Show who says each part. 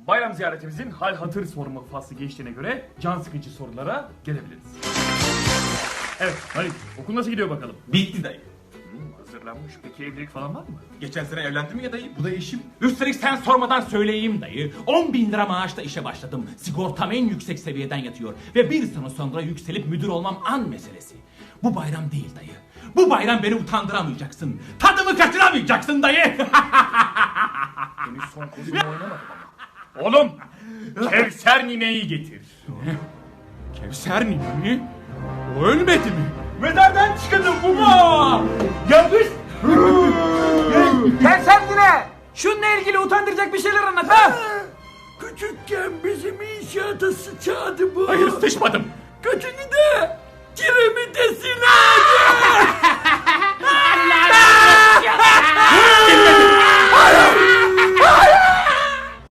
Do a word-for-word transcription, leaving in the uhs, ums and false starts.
Speaker 1: Bayram ziyaretimizin hal hatır sorma faslı geçtiğine göre can sıkıcı sorulara gelebiliriz. Evet Halit, okul nasıl gidiyor bakalım?
Speaker 2: Bitti dayı.
Speaker 1: Hmm, hazırlanmış. Peki evlilik falan var mı?
Speaker 2: Geçen sene evlendim ya dayı. Bu da eşim.
Speaker 3: Üstelik sen sormadan söyleyeyim dayı. on bin lira maaşla işe başladım. Sigortam en yüksek seviyeden yatıyor. Ve bir sene sonra yükselip müdür olmam an meselesi. Bu bayram değil dayı. Bu bayram beni utandıramayacaksın. Tadımı kaçıramayacaksın dayı.
Speaker 1: Henüz son kozumu oynamadım ama. Oğlum! Kevser nineyi getir.
Speaker 3: Kevser nine mi? O ölmedi mi? Mezardan çıkıldı baba. Yanlış.
Speaker 4: Kevser yine. Şununla ilgili utandıracak bir şeyler anlat ha.
Speaker 5: Küçükken bizim inşaata sıçadı bu.
Speaker 3: Hayır sıçmadım.
Speaker 5: Götünü de kiremitesine.